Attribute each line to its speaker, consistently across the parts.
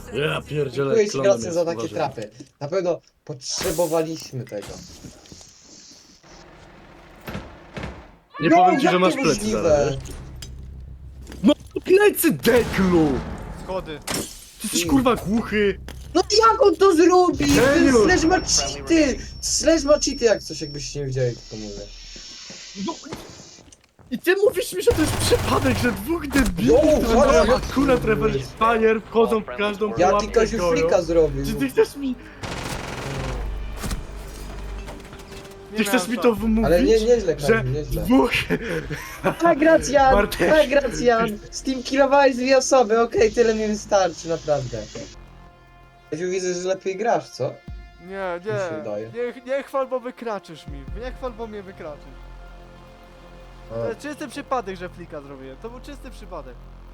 Speaker 1: Ja pierdzielę,
Speaker 2: Dziękuję ci
Speaker 1: klonem
Speaker 2: Gracjan za
Speaker 1: jest,
Speaker 2: takie
Speaker 1: uważaj.
Speaker 2: trapy. Na pewno potrzebowaliśmy tego.
Speaker 1: Nie
Speaker 2: No,
Speaker 1: powiem ci,
Speaker 2: jak
Speaker 1: że
Speaker 2: to
Speaker 1: masz plecy
Speaker 2: możliwe?
Speaker 1: zaraz, wiesz? No plecy, deklu!
Speaker 3: Schody.
Speaker 1: Ty jesteś kurwa głuchy!
Speaker 2: No jak on to zrobi? Ten
Speaker 1: Geniusz!
Speaker 2: Slash ma cheaty! Slash ma cheaty, jak coś, jakbyście nie wiedzieli, to mówię.
Speaker 1: No. I ty mówisz mi, że to jest przypadek, że dwóch debili,
Speaker 2: No,
Speaker 1: którzy
Speaker 2: chodź,
Speaker 1: mają
Speaker 2: chodź.
Speaker 1: akurat reverse fire, wchodzą w każdą
Speaker 2: Ja
Speaker 1: pułapkę
Speaker 2: tylko się
Speaker 1: goją.
Speaker 2: flika zrobił.
Speaker 1: Czy ty chcesz mi...
Speaker 3: Nie
Speaker 1: Ty chcesz
Speaker 3: miałem
Speaker 1: mi
Speaker 3: szans.
Speaker 1: to wymówić?
Speaker 2: Ale nieźle,
Speaker 1: że
Speaker 2: Kamil, nieźle.
Speaker 1: dwóch...
Speaker 2: Tak, Gracjan!
Speaker 1: Bartek.
Speaker 2: Tak, Gracjan! Steam killowałeś 2 osoby, okej, tyle mi wystarczy, naprawdę. Ja się widzę, że lepiej grasz, co?
Speaker 3: Nie,
Speaker 2: Mi się
Speaker 3: nie.
Speaker 2: wydaje.
Speaker 3: Nie chwal, bo wykraczysz mi. Nie chwal, bo mnie wykraczysz. To jest czysty przypadek, że flika zrobiłem. To był czysty przypadek.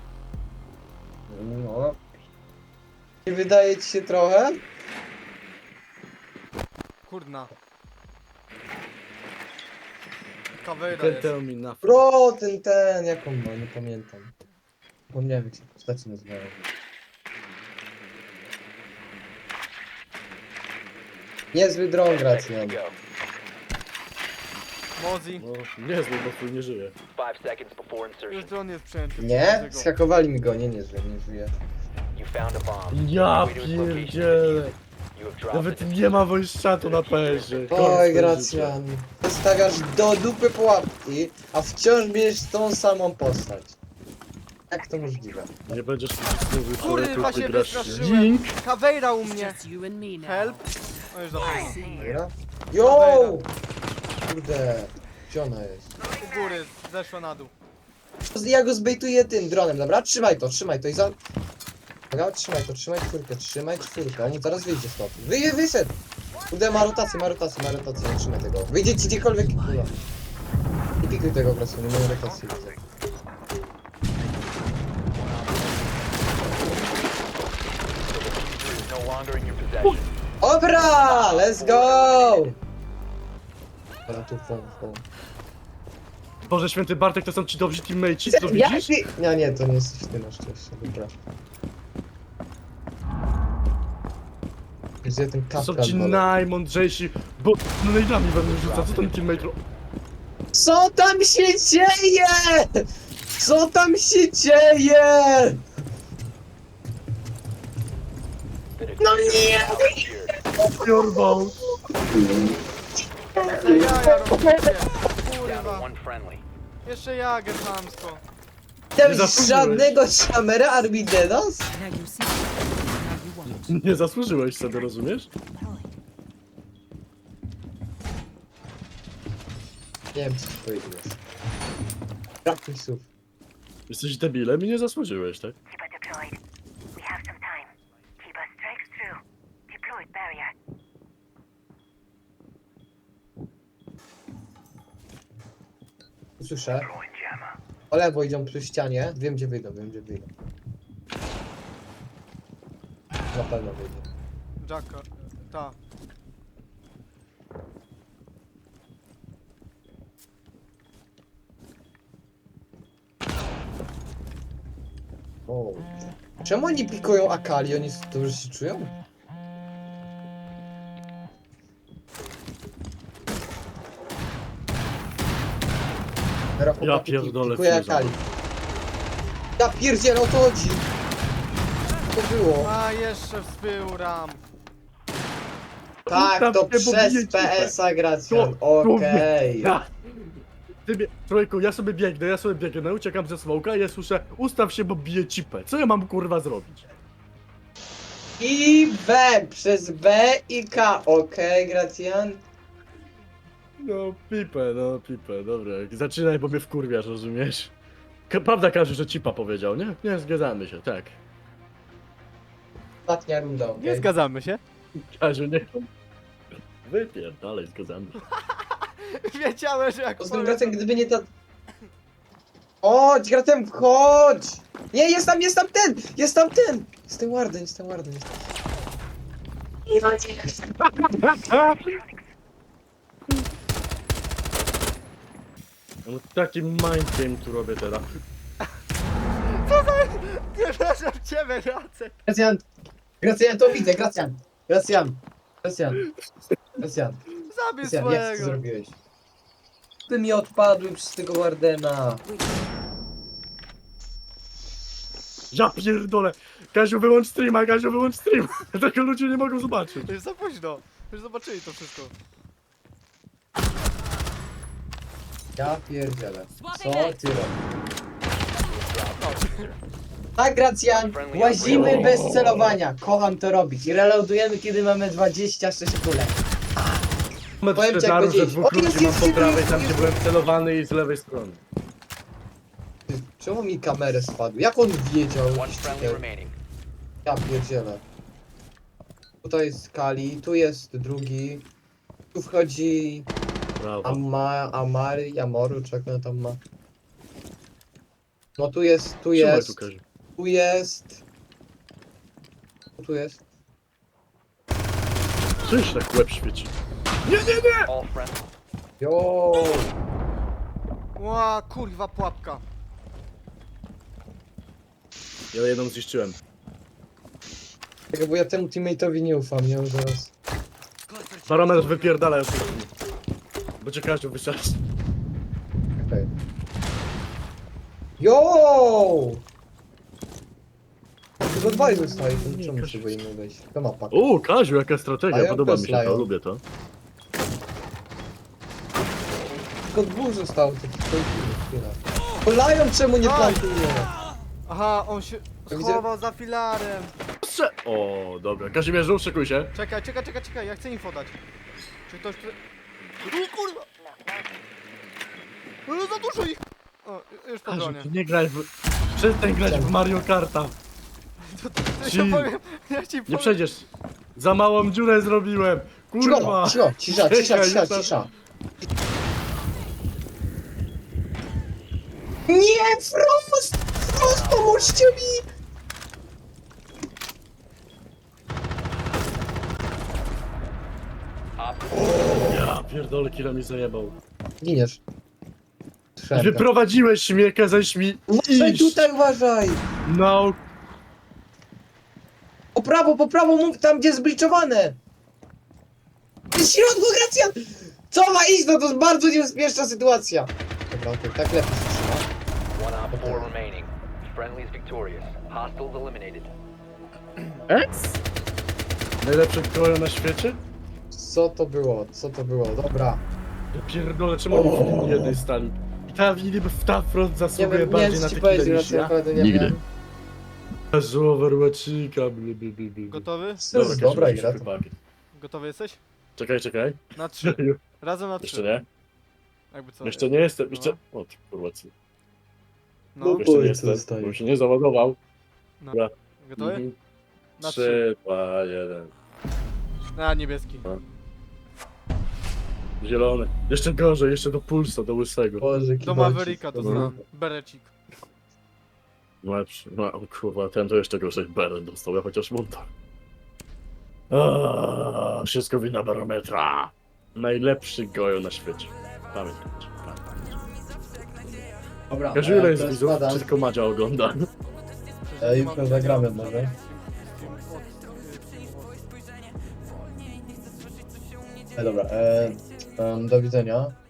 Speaker 2: No. Nie wydaje ci się trochę?
Speaker 3: Kurna. Kawejra
Speaker 1: Ten
Speaker 3: jest.
Speaker 1: tell me nothing.
Speaker 2: Bro, ten, jaką ma, nie pamiętam. Zapomniałem, jak się postaci nazywają. Niezły dron, Gracjan.
Speaker 3: Mozi.
Speaker 1: No, niezły, bo twój nie żyje.
Speaker 4: 5 seconds before
Speaker 3: Już
Speaker 4: insertion.
Speaker 3: dron jest przejęty.
Speaker 2: Nie?
Speaker 3: przechodzę go.
Speaker 2: Skakowali mi go, nie żyje, nie żyje.
Speaker 4: You found a bomb.
Speaker 1: Ja
Speaker 4: Way to its location.
Speaker 1: pierdzielę.
Speaker 4: You have dropped
Speaker 1: Nawet
Speaker 4: it.
Speaker 1: nie ma voice chatu na PS-ie.
Speaker 2: Oj, Gracjan. Wystawiasz do dupy pułapki, a wciąż bierzesz tą samą postać. Jak to możliwe?
Speaker 1: Nie będziesz mówił,
Speaker 3: Kurwa,
Speaker 1: ty
Speaker 3: się
Speaker 1: grasz.
Speaker 3: wystraszyłem.
Speaker 1: Ding!
Speaker 3: Kawejra u mnie.
Speaker 5: Just you and me now.
Speaker 3: Help. O, już dobra.
Speaker 2: Dobra? Yo! Kurde, gdzie ona jest?
Speaker 3: U góry, zeszła na dół.
Speaker 2: Ja go zbejtuję tym dronem, dobra? Trzymaj to i za... Dobra, trzymaj czwórkę, on zaraz wyjdzie stąd. Wyszedł! Kurde, ma rotację, nie trzymaj tego. Wyjdzie ci gdziekolwiek, kurwa. Nie pikuj tego grasu, nie ma rotacji, widzę.
Speaker 4: Is no longer in your possession.
Speaker 2: Dobra, let's go! Dobra, tu phone.
Speaker 1: Boże święty Bartek, to są ci dobrzy teammate'ci, co widzisz?
Speaker 2: Nie, to nie jesteś ty na szczęście, dobra. Gdzie ten
Speaker 1: To są
Speaker 2: kapkan
Speaker 1: ci
Speaker 2: wolę.
Speaker 1: najmądrzejsi, bo no najdami będą rzucać, co ten teammate
Speaker 2: Co tam się dzieje? Co tam się dzieje? No nie!
Speaker 1: Jorwał?
Speaker 3: Jeszcze jaja robicie.
Speaker 4: Down to
Speaker 3: Kurwa.
Speaker 4: one friendly.
Speaker 3: Jeszcze jagę chamsko.
Speaker 2: Tam
Speaker 1: zasłużyłeś.
Speaker 2: żadnego szamera Arbidenos?
Speaker 5: Now you see. Now you want.
Speaker 1: Nie zasłużyłeś sobie, rozumiesz?
Speaker 2: Nie wiem co ci powiedzieć. Brak mi słów.
Speaker 1: Jesteś debilem i nie zasłużyłeś, tak?
Speaker 6: Keeper deployed. We have some time. Keeper strikes through. Deployed barrier.
Speaker 2: Słyszę. O lewo idą przy ścianie. Wiem gdzie wyjdą. Na pewno wyjdą.
Speaker 3: Jacka. Ta.
Speaker 2: O. Czemu oni pikują Akali? Oni dobrze się czują? Teraz
Speaker 1: Ja
Speaker 2: chłopaki
Speaker 1: pierdolę,
Speaker 2: pikuje
Speaker 1: Fuza.
Speaker 2: Akali. Ja pierdzielę, o to chodzi! To było.
Speaker 3: A jeszcze wzbył ram.
Speaker 2: Tak, to
Speaker 1: Ustaw się, bo
Speaker 2: przez
Speaker 1: bije ci
Speaker 2: PS-a Gracjan.
Speaker 1: To-
Speaker 2: Okej.
Speaker 1: Ja. Trójku, ja sobie biegnę, uciekam ze smoka i ja słyszę, ustaw się, bo bije cipę. Co ja mam kurwa zrobić?
Speaker 2: I B, przez B i K. Okej, Gracjan.
Speaker 1: No pipę, dobra. Zaczynaj, bo mnie wkurwiasz, rozumiesz? Prawda każe, że cipa powiedział, nie? Nie, zgadzamy się, tak.
Speaker 2: Ostatnia runda, okej.
Speaker 3: Nie zgadzamy się.
Speaker 1: Każe, nie. Wypierdalej, zgadzamy się.
Speaker 3: Wiedziałem, że jak
Speaker 2: Poza tym Gracjan, gdyby nie ta... Chodź, Gracjan, chodź! Nie, jest tam ten! Jest ten Warden, jest ten Warden.
Speaker 1: No taki mind game tu robię teraz.
Speaker 3: Przepraszam ciebie, Jacek.
Speaker 2: Gracjan, Gracjan, to widzę, Gracjan. Gracjan. Gracjan. Gracjan.
Speaker 3: Zabij
Speaker 2: Gracjan, jak ty
Speaker 3: swojego!
Speaker 2: zrobiłeś? Ty mi odpadły przez tego Wardena.
Speaker 1: Ja pierdolę! Kaziu, wyłącz streama, Kaziu, wyłącz streama! Tego ludzie nie mogą zobaczyć.
Speaker 3: To jest za późno. Już zobaczyli to wszystko.
Speaker 2: Ja pierdzielę. Co ty robisz? Tak, Gracjan, łazimy bez celowania. Kocham to robić. I reloadujemy, kiedy mamy 26 kulek. Powiem ci, jak
Speaker 1: Daru, że
Speaker 2: powiedzieć.
Speaker 1: dwóch
Speaker 2: O, jest,
Speaker 1: ludzi mam
Speaker 2: jest,
Speaker 1: po prawej,
Speaker 2: jest,
Speaker 1: tam
Speaker 2: jest.
Speaker 1: gdzie byłem celowany i z lewej strony.
Speaker 2: Czemu mi kamerę spadł? Jak on wiedział?
Speaker 4: One friendly remaining.
Speaker 2: Ja pierdzielę. Tutaj jest Kali, tu jest drugi. Tu wchodzi
Speaker 1: Brawo.
Speaker 2: Amoru, czy jak on tam ma. No tu jest, tu
Speaker 1: Trzymaj
Speaker 2: jest,
Speaker 1: tu, Kaziu.
Speaker 2: tu jest. Tu jest.
Speaker 1: Czyż tak łeb świeci? Nie, nie, nie!
Speaker 4: All friendly.
Speaker 2: Jo.
Speaker 3: Ła, kurwa, pułapka.
Speaker 1: Ja jedną zniszczyłem.
Speaker 2: Czekaj, bo ja temu teammate'owi nie ufam, nie? Zaraz.
Speaker 1: Barometr wypierdala już. Bo cię Kaziu wysadzi.
Speaker 2: Okej. Jo! Tylko dwaj zostaje, to czemu się boimy wejść? To mapa.
Speaker 1: O, Kaziu, jaka strategia,
Speaker 2: Lion
Speaker 1: podoba
Speaker 2: plus
Speaker 1: mi się to,
Speaker 2: Lion.
Speaker 1: lubię to.
Speaker 2: Tylko dwóch zostało, to chwila. O, Lion czemu nie
Speaker 3: Aj!
Speaker 2: plantuje?
Speaker 3: Aha, on się
Speaker 2: widzę-
Speaker 3: schował za filarem.
Speaker 1: O, dobra. Kazimierzu, szykuj się.
Speaker 3: Czekaj, ja chcę info dać. Czy ktoś... O kurwa! No za dużo ich! O, już po
Speaker 1: Kaziu,
Speaker 3: dronie.
Speaker 1: ty nie graj w... Przestań grać w Mario Karta.
Speaker 3: Ja
Speaker 1: Ci-
Speaker 3: powiem, ja ci
Speaker 1: Nie
Speaker 3: powiem.
Speaker 1: przejdziesz. Za małą dziurę zrobiłem.
Speaker 2: Cicho,
Speaker 1: Kurwa.
Speaker 2: cicho, cisza, cisza,
Speaker 1: Czekaj,
Speaker 2: cisza,
Speaker 1: już tam-
Speaker 2: cisza. Nie, Frost! Frost, pomóżcie mi!
Speaker 1: Ja pierdolę, kilo mi zajebał.
Speaker 2: Giniesz. Słyszałem to.
Speaker 1: Wyprowadziłeś mnie, kazałeś mi
Speaker 2: Uważaj
Speaker 1: iść.
Speaker 2: tutaj, uważaj!
Speaker 1: No,
Speaker 2: Po prawo, mów tam, gdzie zbliczowane! W środku, Gracjan! Co ma iść? No to jest bardzo niebezpieczna sytuacja. Dobra, okej, tak lepiej się trzyma.
Speaker 4: One op 4 remaining. Friendly is victorious. Hostiles eliminated.
Speaker 1: najlepszy krojo na świecie?
Speaker 2: Co to było? Co to było? Dobra.
Speaker 1: Ja pierdolę, czemu oni w linii jednej stali? Ta niby w ta front
Speaker 2: Nie
Speaker 1: zasługuje
Speaker 2: wiem, nie
Speaker 1: bardziej
Speaker 2: wiem,
Speaker 1: na
Speaker 2: co ci
Speaker 1: tequilę
Speaker 2: powiedzieć,
Speaker 1: niż
Speaker 2: ja
Speaker 1: ja.
Speaker 2: naprawdę nie
Speaker 1: Nigdy.
Speaker 2: wiem.
Speaker 1: Jezu, Overwatchika, bli, bli, bli, bli.
Speaker 3: Gotowy?
Speaker 2: To jest dobra
Speaker 1: Kaziu,
Speaker 2: gra.
Speaker 1: musisz chłopaki.
Speaker 3: Gotowy jesteś?
Speaker 1: Czekaj.
Speaker 3: Na 3. Razem na 3.
Speaker 1: Jeszcze nie?
Speaker 3: Jakby co?
Speaker 1: Jeszcze nie jestem, jeszcze... O, ty kurwa, co?
Speaker 3: No,
Speaker 2: No.
Speaker 1: Jeszcze nie
Speaker 2: Oj, co
Speaker 1: jestem,
Speaker 2: zostaje?
Speaker 1: bo się nie załadował.
Speaker 3: no.
Speaker 1: Dobra.
Speaker 3: Gotowy?
Speaker 1: Mhm.
Speaker 3: Na
Speaker 1: 3, 2, 1.
Speaker 3: A, niebieski.
Speaker 1: Zielony. Jeszcze gorzej, jeszcze do pulsa, do łysego.
Speaker 2: Boże,
Speaker 3: Do
Speaker 2: kibocik.
Speaker 3: Mavericka to
Speaker 1: Dobra.
Speaker 3: znam. Berecik.
Speaker 1: Lepszy. No kurwa, ten to jeszcze gorzej Beren dostał, ja chociaż monta. Wszystko wina barometra. Najlepszy gojo na świecie. Pamiętajcie.
Speaker 2: Dobra,
Speaker 1: Kaziu, ile jest
Speaker 2: to
Speaker 1: widzów?
Speaker 2: spadam.
Speaker 1: Czy tylko Madzia ogląda?
Speaker 2: Jutro zagramy może. Dobra, do widzenia.